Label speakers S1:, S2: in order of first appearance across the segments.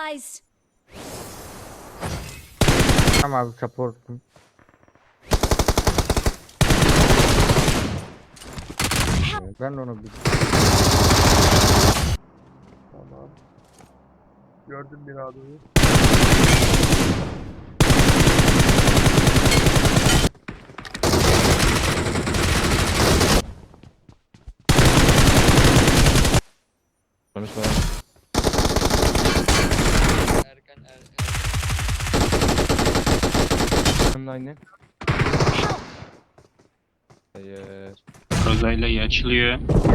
S1: supplies.
S2: Tamam abi supportum. Ben de onu bir
S3: Tamam. Gördüm bir adamı.
S4: Konuşma.
S5: Erkan
S4: Hem de aynı. Hayır.
S6: Rozayla iyi açılıyor.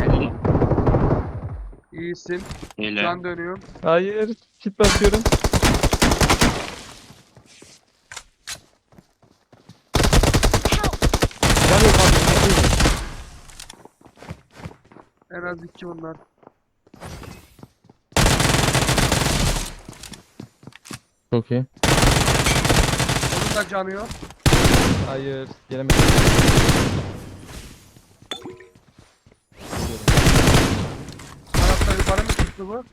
S3: İyisin.
S6: Hele.
S3: Can dönüyor.
S4: Hayır. Kit basıyorum. Can yok abi.
S3: En az 2 bunlar.
S4: Çok iyi.
S3: Onun da canı yok.
S4: Hayır. Gelemedim.
S3: Tarafta yukarı mı çıktı bu? Yo,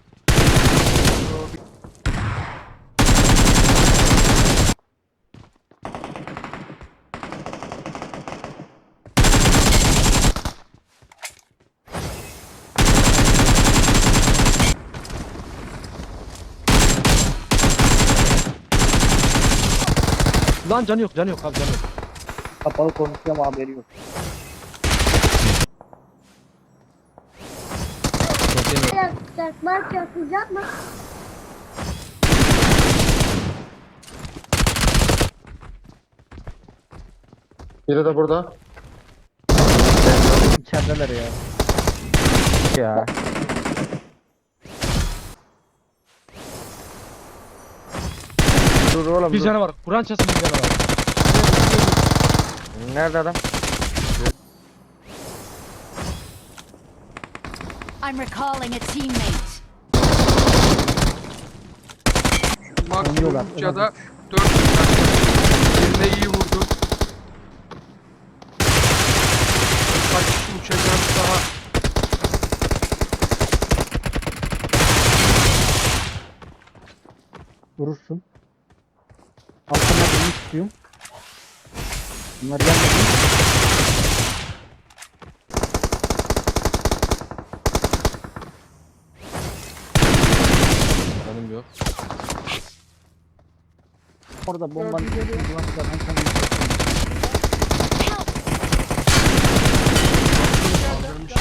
S4: Lan canı yok. Canı yok abi. Canı yok.
S2: kapalı konuşuyorum haberi yok.
S4: Çok iyi.
S1: Çakmak yapacak mı?
S7: Biri de burada.
S2: İçerideler ya. Ya. Dur oğlum
S4: Bir
S2: dur.
S4: canı var. Kur'an çasın bir canı var.
S2: Nerede adam?
S1: I'm recalling a teammate.
S3: maksimum ya da 4 Birine iyi vurdu. Kaç uçacağız daha.
S2: Vurursun. Altına bunu istiyorum. Bunlar gelmedi.
S4: Canım yok.
S2: Orada bombanın
S3: Gördüm,
S2: ulaştılar. Ben sana bir
S3: Kaldırmış.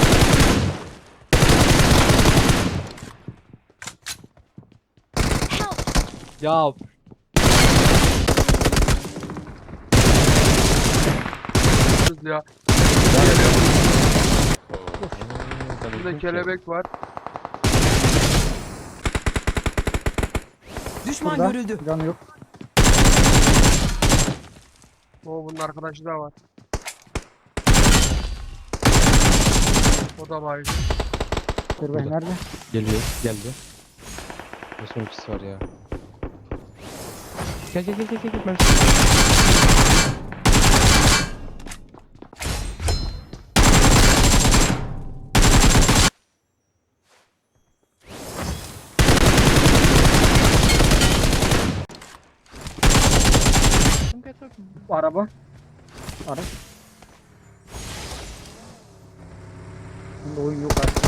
S4: Ya.
S3: Ya. Burada kelebek var.
S8: Düşman
S2: Burada.
S8: görüldü.
S2: Canı yok.
S3: O bunun arkadaşı da var. O da var.
S2: Dur nerede?
S4: Geliyor. Geldi. Nasıl ultisi var ya. Gel gel gel gel gel. Ben...
S2: Bu araba. Araç. Bunda oyun yok artık.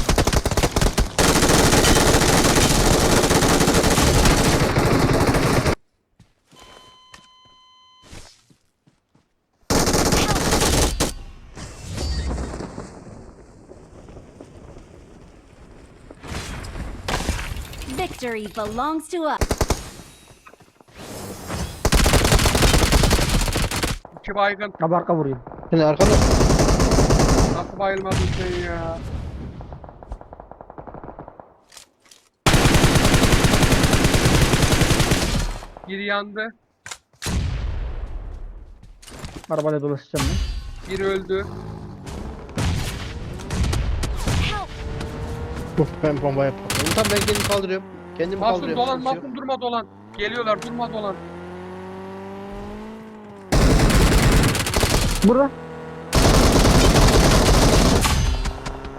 S1: Victory belongs to us.
S3: 2 baygın.
S2: Abi arka vurayım.
S7: Seni arkada.
S3: Nasıl bayılmadın sen ya? Biri yandı.
S2: Arabayla dolaşacağım ben.
S3: Biri öldü.
S7: Ben bomba yaptım. Tamam ben kendimi kaldırıyorum. Kendimi
S3: Masum
S7: kaldırıyorum.
S3: dolan,
S7: sıkıntı yok.
S3: masum durma dolan. Geliyorlar, durma dolan.
S2: Burada.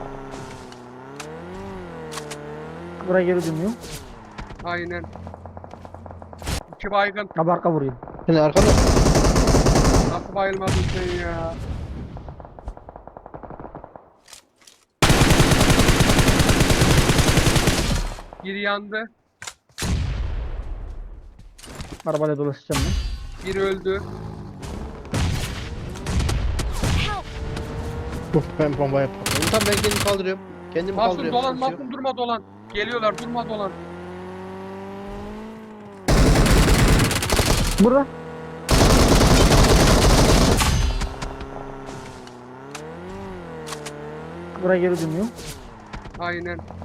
S2: Buraya geri dönüyor.
S3: Aynen. İki baygın.
S2: Abi arka vuruyor.
S7: Şimdi arkada.
S3: Nasıl bayılmadın sen ya? Biri yandı.
S2: Arabayla dolaşacağım ben.
S3: Biri öldü.
S7: Ben bombaya patladım. Tamam ben kendimi kaldırıyorum. Kendimi
S3: Masum
S7: kaldırıyorum.
S3: dolan,
S7: sıkıntı yok.
S3: Masum durma dolan. Geliyorlar, durma dolan.
S2: Burada. Buraya geri dönüyor.
S3: Aynen.